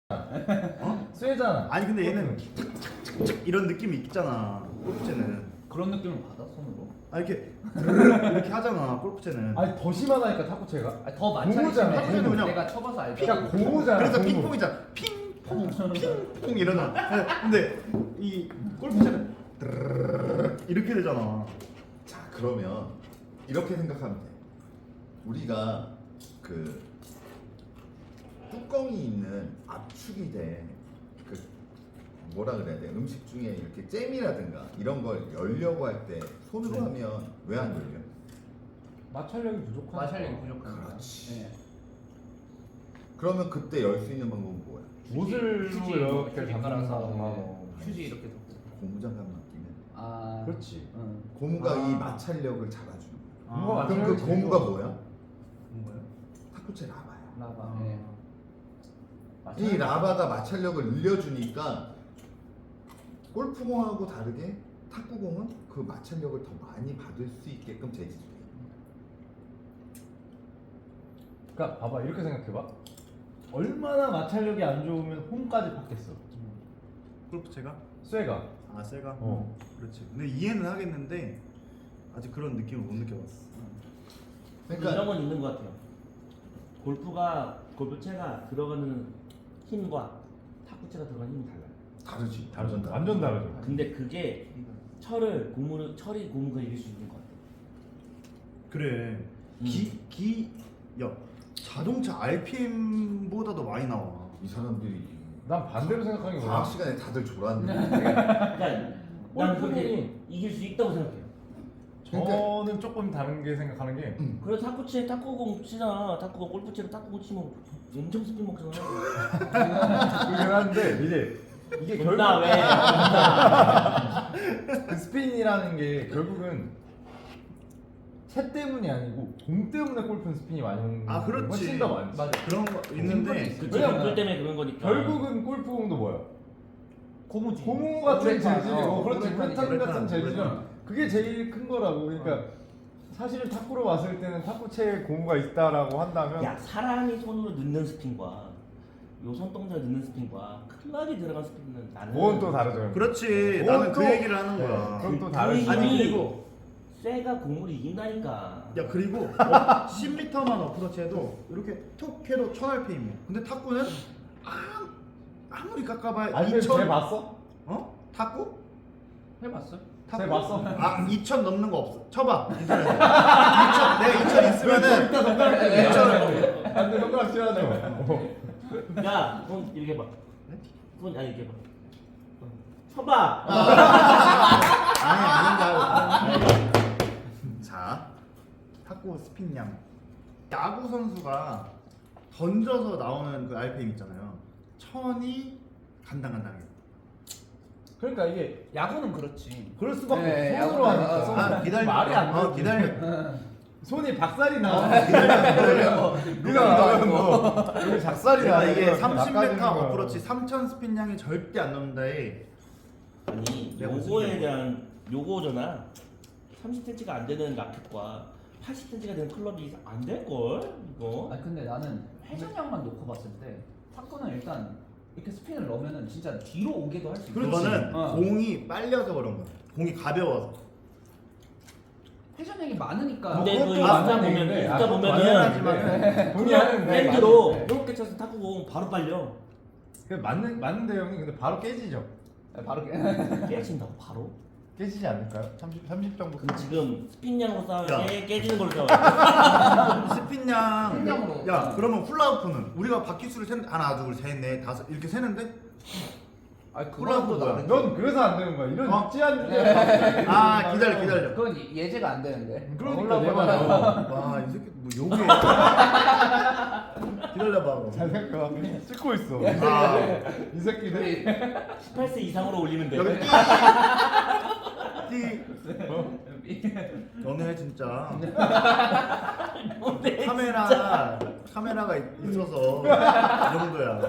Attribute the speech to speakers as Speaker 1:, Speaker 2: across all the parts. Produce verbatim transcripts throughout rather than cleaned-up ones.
Speaker 1: 어?
Speaker 2: 쇠잖아.
Speaker 1: 아니 근데 얘는 착착착착 이런 느낌이 있잖아. 골프채는.
Speaker 3: 그런 느낌을 받아 손으로?
Speaker 1: 아 이렇게 이렇게 하잖아. 골프채는.
Speaker 2: 아니 더 심하다니까 탁구채가.
Speaker 3: 아니, 더 많잖아.
Speaker 2: 고무잖아,
Speaker 1: 탁구채는 그냥
Speaker 3: 내가 쳐봐서 알잖아.
Speaker 2: 그러니까 고무잖아.
Speaker 1: 그래서
Speaker 2: 고무.
Speaker 1: 핑퐁이잖아. 핑퐁 핑퐁 이러나. 근데 이 골프채는 이렇게 되잖아.
Speaker 4: 자 그러면 이렇게 생각하면 돼. 우리가 그 뚜껑이 있는 압축이 된그 뭐라 그래야 돼? 음식 중에 이렇게 잼이라든가 이런 걸 열려고 할 때 손으로
Speaker 1: 네.
Speaker 4: 하면 왜 안 열려?
Speaker 2: 마찰력이 부족하니까.
Speaker 3: 마찰력이 부족한 거.
Speaker 4: 그렇지.
Speaker 3: 네.
Speaker 4: 그러면 그때 열 수 있는 방법은 뭐야?
Speaker 2: 못을
Speaker 3: 휴지,
Speaker 2: 이렇게
Speaker 3: 휴지
Speaker 2: 잡는
Speaker 3: 깔아서
Speaker 2: 상황.
Speaker 3: 휴지 이렇게 덮고.
Speaker 4: 고무장갑 맡기면
Speaker 3: 아
Speaker 2: 그렇지.
Speaker 3: 응.
Speaker 4: 고무가
Speaker 1: 아.
Speaker 4: 이 마찰력을 잡아주는 거야.
Speaker 2: 고무가
Speaker 1: 아,
Speaker 4: 그럼 그
Speaker 2: 마찰력이
Speaker 4: 고무가
Speaker 2: 제일
Speaker 4: 뭐야?
Speaker 3: 뭐예요?
Speaker 4: 탁구채 라바야.
Speaker 3: 라바.
Speaker 1: 아.
Speaker 3: 네.
Speaker 4: 이 라바가 마찰력을 늘려주니까 골프공하고 다르게 탁구공은 그 마찰력을 더 많이 받을 수 있게끔 재질돼.
Speaker 2: 그러니까 봐봐 이렇게 생각해봐. 얼마나 마찰력이 안 좋으면 홈까지 받겠어.
Speaker 1: 골프채가?
Speaker 2: 쇠가.
Speaker 1: 아 쇠가?
Speaker 2: 어.
Speaker 1: 그렇지. 근데 이해는 하겠는데 아직 그런 느낌을 못 느껴봤어.
Speaker 4: 그러니까
Speaker 5: 이런 건 있는 것 같아요. 골프가 골프채가 들어가는 힘과 탁구채가 들어가는 힘이 달라요.
Speaker 4: 다르지.
Speaker 2: 다르죠.
Speaker 4: 완전
Speaker 2: 완전 다르죠.
Speaker 5: 근데 그게 철을 고무를 철이 고무가 이길 수 있는 것 같아요.
Speaker 1: 그래. 기 기 야 자동차 알피엠보다도 많이 나와.
Speaker 4: 이 사람들이
Speaker 2: 난 반대로 생각하는 게
Speaker 4: 과학
Speaker 2: 뭐야?
Speaker 4: 시간에 다들 졸았네.
Speaker 5: 그러니까 난
Speaker 2: 골프공이-
Speaker 5: 그렇게 이길 수 있다고 생각해요.
Speaker 2: 저는 조금 다른 게 생각하는 게
Speaker 5: 그래 탁구채 탁구공 치잖아. 탁구공 골프채로 탁구공 치면 엄청 스핀 먹잖아.
Speaker 2: 그긴 한데 이제 이게 결국
Speaker 5: 존나 왜? 존나.
Speaker 2: 그 스핀이라는 게 결국은 채 때문이 아니고 공 때문에 골프는 스핀이 많이 오는
Speaker 1: 아
Speaker 2: 게
Speaker 1: 그렇지.
Speaker 2: 훨씬 더 많지.
Speaker 1: 맞아. 그런 거 있는데
Speaker 5: 그치
Speaker 2: 왜냐면
Speaker 5: 골프 때문에 그런 거니까.
Speaker 2: 결국은 골프공도 뭐야?
Speaker 3: 고무지.
Speaker 2: 고무 같은
Speaker 3: 우레탄,
Speaker 2: 재질이고
Speaker 3: 어,
Speaker 2: 그렇지
Speaker 3: 우레탄이
Speaker 2: 우레탄
Speaker 1: 우레탄,
Speaker 2: 같은 재질은
Speaker 1: 우레탄.
Speaker 2: 그게 제일 큰 거라고. 그러니까 사실은 탁구로 봤을 때는 탁구채에 고무가 있다라고 한다면
Speaker 5: 야 사람이 손으로 넣는 스핀과 요 손동작에 넣는 스핀과 클럽이 들어간 스핀은 나는
Speaker 2: 그건 또 다르죠.
Speaker 1: 그렇지.
Speaker 2: 그건
Speaker 1: 나는 그
Speaker 2: 또-
Speaker 1: 얘기를 하는
Speaker 2: 네,
Speaker 1: 거야.
Speaker 2: 그건 또
Speaker 5: 그
Speaker 2: 다르지.
Speaker 5: 힘이
Speaker 1: 아니 그리고
Speaker 5: 쇠가 공을 이긴다니까.
Speaker 1: 야 그리고 어, 십 미터만 어프로치 해도 이렇게 톡 해도 천 알피엠이야. 근데 탁구는 아무, 아무리 깎아봐야
Speaker 2: 아니 근데 쟤
Speaker 1: 이천
Speaker 2: 봤어?
Speaker 1: 어? 탁구?
Speaker 3: 해봤어?
Speaker 2: 쟤 봤어?
Speaker 1: 아 이천 넘는 거 없어. 쳐봐 인터넷에. 이천 내가 이천 있으면은
Speaker 2: 이따 손가락
Speaker 1: 이천
Speaker 2: 안돼 손가락 치라죠.
Speaker 5: 야, 손 이렇게 봐. 손 아니 이렇게 봐. 쳐봐.
Speaker 1: 아니 아닌가. 자 탁구 스핀량. 야구 선수가 던져서 나오는 그 알피엠 있잖아요. 천이 간당간당해.
Speaker 2: 그러니까 이게
Speaker 3: 야구는 그렇지.
Speaker 2: 그럴 수밖에
Speaker 3: 네,
Speaker 2: 없어. 손으로
Speaker 3: 야구는-
Speaker 2: 하니까.
Speaker 3: 아, 손-
Speaker 1: 아 기다려.
Speaker 2: 말이 안
Speaker 1: 어
Speaker 2: 돼.
Speaker 1: 기다려.
Speaker 2: 손이 박살이 나.
Speaker 1: 기다려.
Speaker 2: 누가 나면 뭐 여기 작살이
Speaker 1: 내가
Speaker 2: 나.
Speaker 1: 이게 삼십 미터 어프로치 삼천 스핀량이 절대 안 넘는다에
Speaker 5: 아니
Speaker 1: 내가 무슨
Speaker 5: 요거에
Speaker 1: 얘기야?
Speaker 5: 대한 요거잖아. 삼십 센티미터가 안 되는 라켓과 팔십 센티미터가 되는 클럽이 안 될 걸 이거.
Speaker 3: 아니 근데 나는 회전량만 놓고 봤을 때 탁구는 일단 이렇게 스핀을 넣으면은 진짜 뒤로 오게도 할 수 있어.
Speaker 1: 그거는
Speaker 3: 어.
Speaker 1: 공이 빨려서 그런 거야. 공이 가벼워서.
Speaker 3: 회전량이 많으니까.
Speaker 5: 근데 그
Speaker 2: 그것도
Speaker 5: 인스타
Speaker 2: 맞는
Speaker 5: 보면
Speaker 2: 얘기인데,
Speaker 5: 인스타
Speaker 2: 아, 그것도
Speaker 5: 보면은
Speaker 1: 당연하지만
Speaker 2: 동의하는 데
Speaker 5: 핸드로
Speaker 2: 맞는데.
Speaker 5: 이렇게 쳐서 탁구공 바로 빨려.
Speaker 2: 그 맞는 맞는데 형님 근데 바로 깨지죠.
Speaker 3: 바로 깨.
Speaker 5: 깨진다고 바로?
Speaker 2: 깨지지 않을까요? 삼십 삼십 정도.
Speaker 5: 그럼 지금 스핀량으로 싸울
Speaker 1: 야.
Speaker 5: 때 깨지는 걸로 싸워.
Speaker 1: 스핀량.
Speaker 3: 스핀량으로.
Speaker 1: 야 그러면 훌라후프는 우리가 바퀴수를 세는 하나 둘셋넷 다섯 이렇게 세는데
Speaker 3: 아
Speaker 1: 훌라후프
Speaker 3: 그거보다
Speaker 1: 뭐야?
Speaker 2: 넌 그래서 안 되는 거야. 이런
Speaker 1: 어?
Speaker 2: 육지한
Speaker 1: 아 기다려 기다려.
Speaker 3: 그건 예- 예제가 안 되는데.
Speaker 2: 그러니까
Speaker 3: 올라가면
Speaker 2: 내가
Speaker 1: 와 이 새끼 뭐 욕해. 기다려봐.
Speaker 2: 잘 생각. 찍고 있어.
Speaker 1: 아
Speaker 2: 이 새끼들.
Speaker 5: 십팔 세 이상으로 올리면 돼.
Speaker 1: 여기 띠. 띠. 너네 진짜
Speaker 5: 뭔데?
Speaker 1: 카메라 카메라가 있- 있어서 이 정도야.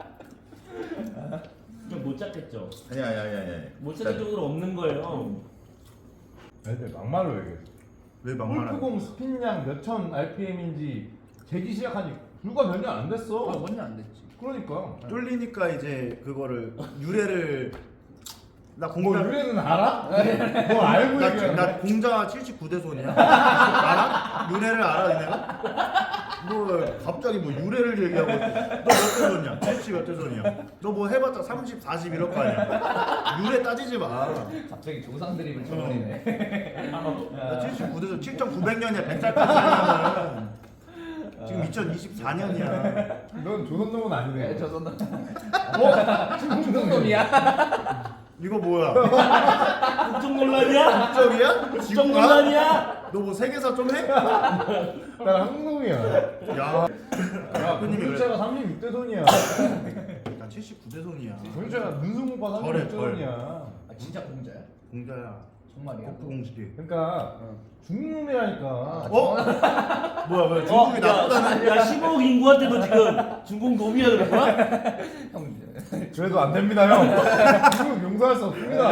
Speaker 5: 못 잡겠죠.
Speaker 4: 아니야 아니야 아니야. 아니야.
Speaker 5: 못 잡을 정도로 없는 거예요.
Speaker 2: 애들 막말로 얘기해.
Speaker 1: 왜 막말하는?
Speaker 2: 골프공 스핀량 몇천 알피엠인지 재기 시작한 지 불과 몇 년 안 됐어.
Speaker 3: 어, 뭔지 안 됐지.
Speaker 2: 그러니까.
Speaker 1: 뚫리니까 이제 그거를 유래를 나
Speaker 2: 뭐
Speaker 1: 공자
Speaker 2: 유래는 알아? 뭐 알고
Speaker 1: 나,
Speaker 2: 얘기하는
Speaker 1: 나 공자 칠십구 대 손이야. 알아? 유래를 알아 내가? 뭐 갑자기 뭐 유래를 얘기하고 너 몇 대 손이야? 칠십 몇 대 손이야? 너 뭐 해봤자 삼십, 사십 이럴 거 아니야? 유래 따지지 마.
Speaker 3: 갑자기 조상 드립을 쳐버리네.
Speaker 1: 나 칠십구 대 손 칠 점 구백 년이야. 백 살까지 살려면 지금 이천이십사 년이야.
Speaker 2: 넌 조선놈은 아니네.
Speaker 3: 네, 저선
Speaker 2: 어?
Speaker 3: 중동놈이야.
Speaker 1: 이거 뭐야?
Speaker 5: 국정 논란이야?
Speaker 1: 국적이야?
Speaker 5: 국정
Speaker 1: 지구가?
Speaker 5: 논란이야?
Speaker 1: 너 뭐 세계사 좀 해?
Speaker 2: 난 한국놈이야.
Speaker 1: 야,
Speaker 2: 야,
Speaker 1: 대표님이
Speaker 2: 공주차가 삼십육 대 손이야.
Speaker 1: 나 칠십구 대 손이야.
Speaker 2: 공주차가 문승오빠
Speaker 1: 저래,
Speaker 2: 삼십육 대
Speaker 1: 저래.
Speaker 2: 손이야.
Speaker 3: 아, 진짜 공자야?
Speaker 1: 공자야.
Speaker 3: 정말이야?
Speaker 1: 거푸 공식이.
Speaker 2: 그러니까 중국놈이라니까.
Speaker 1: 어? 뭐야 뭐야
Speaker 5: 어,
Speaker 1: 중국이 나쁘다는?
Speaker 5: 야, 야 십오억 인구한테도 지금 중국 놈이야 그런 거야?
Speaker 3: 형
Speaker 2: 그래도 안 됩니다 형. 중국 용서할 수 없습니다.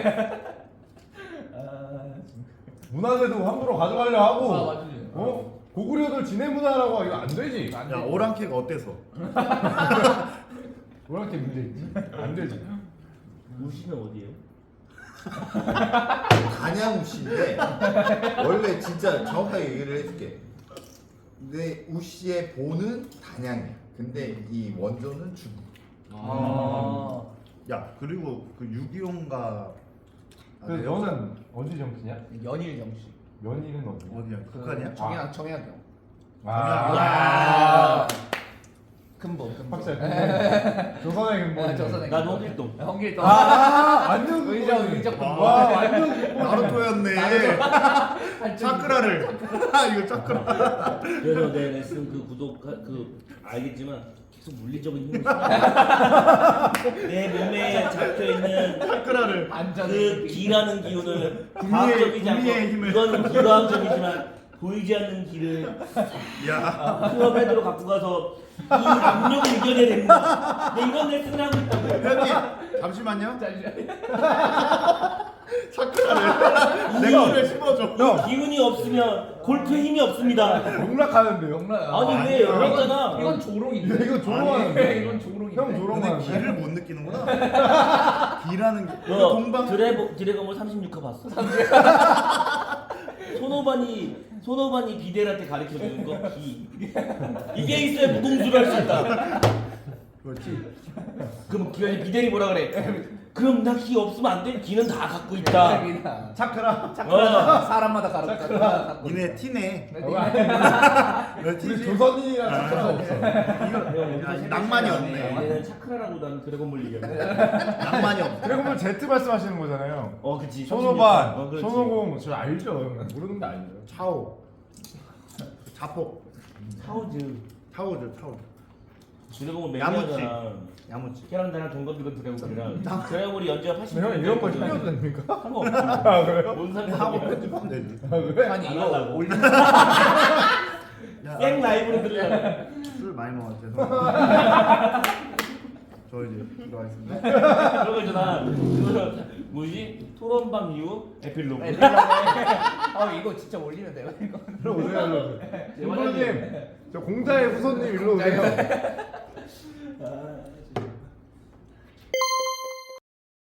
Speaker 3: 아,
Speaker 2: 문화재도 함부로 가져가려 하고.
Speaker 3: 아, 맞지.
Speaker 2: 어? 고구려들 지내 문화라고 이거 안 되지.
Speaker 3: 안
Speaker 1: 야
Speaker 3: 돼.
Speaker 1: 오랑캐가 어때서?
Speaker 2: 그렇게 문제 있지. 안 되지.
Speaker 5: 우시는 어디에요?
Speaker 4: 단양우씨인데 원래 진짜 정확하게 얘기를 해줄게. 근데 우씨의 본은 단양이야. 근데 이 원조는 중국.
Speaker 3: 아.
Speaker 1: 야 그리고 그 육이오인가
Speaker 2: 그 너는 어디 정치냐?
Speaker 3: 연일 영씨.
Speaker 2: 연일은 어디?
Speaker 1: 어디야? 북한이야?
Speaker 3: 정약 정약형.
Speaker 2: 아,
Speaker 3: 야. 근본 근본.
Speaker 2: 확실히 근본. 조선의 근본.
Speaker 3: 아, 조선의
Speaker 5: 난
Speaker 3: 근본.
Speaker 5: 홍길동.
Speaker 3: 홍길동.
Speaker 2: 아, 완전
Speaker 3: 의적
Speaker 2: 근본이네.
Speaker 3: 의적 근본.
Speaker 2: 와, 완전 근본.
Speaker 1: 나루토였네. 차크라를. 이거 차크라.
Speaker 5: 그래서 내 레슨 그 구독 그 알겠지만 계속 물리적인 힘을 써. 내 몸에 잡혀 있는
Speaker 1: 차크라를.
Speaker 3: 안전.
Speaker 5: 그 기라는 기운을
Speaker 1: 구미의-
Speaker 5: 과학적이지 않고
Speaker 1: 구미의 힘을.
Speaker 5: 이건 비과학적이지만 보이지 않는 기를
Speaker 1: 야.
Speaker 5: 클럽 헤드로 갖고 가서 이 압력을 이겨내야 됩니다. 내 이런 레슨을 하고 있다고.
Speaker 1: 회원님 잠시만요.
Speaker 3: 잠시만요.
Speaker 1: 차크라를. 내 거를 심어줘.
Speaker 2: 형,
Speaker 5: 기운이 없으면 골프에 힘이 없습니다.
Speaker 2: 용락하는데요.
Speaker 3: 영라야.
Speaker 5: 아니 왜
Speaker 1: 아니야.
Speaker 5: 연락잖아.
Speaker 3: 이건 조롱인데.
Speaker 2: 이거
Speaker 3: 아니,
Speaker 2: 조롱하는데.
Speaker 3: 이건 조롱인데.
Speaker 2: 형
Speaker 1: 근데
Speaker 2: 조롱하는데.
Speaker 1: 기를 못 느끼는구나. 기라는 게.
Speaker 5: 너
Speaker 1: 동방.
Speaker 5: 드래고 드래곤볼 삼십육 화 봤어? 손오반이 손오반이 비델한테 가르쳐 주는 거 기. 이게 있어야 무공수를 할 수 있다.
Speaker 1: 그렇지.
Speaker 5: 그럼 기현이 비델이 뭐라 그래? 그럼 나 기 없으면 안 돼? 기는 다 갖고 있다.
Speaker 3: 그냥
Speaker 2: 차크라.
Speaker 5: 어.
Speaker 3: 사람마다 가르쳐.
Speaker 1: 니네 티네.
Speaker 2: 네.
Speaker 1: 왜
Speaker 2: 우리
Speaker 1: 티지?
Speaker 2: 조선인이랑 차크라가 없어.
Speaker 1: 이거 야, 낭만이 없네.
Speaker 5: 얘는 차크라라고 나는 드래곤볼 얘기하는
Speaker 1: 낭만이 없네.
Speaker 2: 드래곤볼 Z 말씀하시는 거잖아요.
Speaker 5: 어 그치.
Speaker 2: 손오반,
Speaker 5: 어, 그렇지.
Speaker 2: 손오공, 저 알죠? 형. 모르는 거 알죠?
Speaker 1: 차오. 자폭.
Speaker 5: 차오즈.
Speaker 1: 차오죠 차오.
Speaker 5: 드래곤볼
Speaker 1: 야무지.
Speaker 5: 매니아잖아.
Speaker 1: 야무지.
Speaker 5: 걔랑 나랑 동갑이건 드래곤볼이랑. 드래곤볼이 연주가 팔십.
Speaker 2: 근데 형 이런 거 힘겨도 됩니까?
Speaker 5: 상관없지.
Speaker 2: 아 그래요?
Speaker 5: 뭔
Speaker 1: 하고
Speaker 5: 상관이야.
Speaker 1: 편집하면 되지.
Speaker 2: 아 그래?
Speaker 3: 아니
Speaker 5: 안
Speaker 3: 이거
Speaker 5: 하려고.
Speaker 3: 올리는
Speaker 1: 야,
Speaker 5: 생 라이브로 들으려고.
Speaker 1: 술 많이 먹었어. 죄송합니다. 저 이제 들어가겠습니다.
Speaker 5: 그러고 있잖아. 그 뭐지? 토론방 이후 에필로그.
Speaker 3: 어 이거 진짜 올리면 돼요 이거.
Speaker 2: 일로 오세요, 일로 오세요.
Speaker 5: 네,
Speaker 2: 후손님, 저 공자의 후손님 일로 오세요.
Speaker 3: 공자요.
Speaker 5: 아,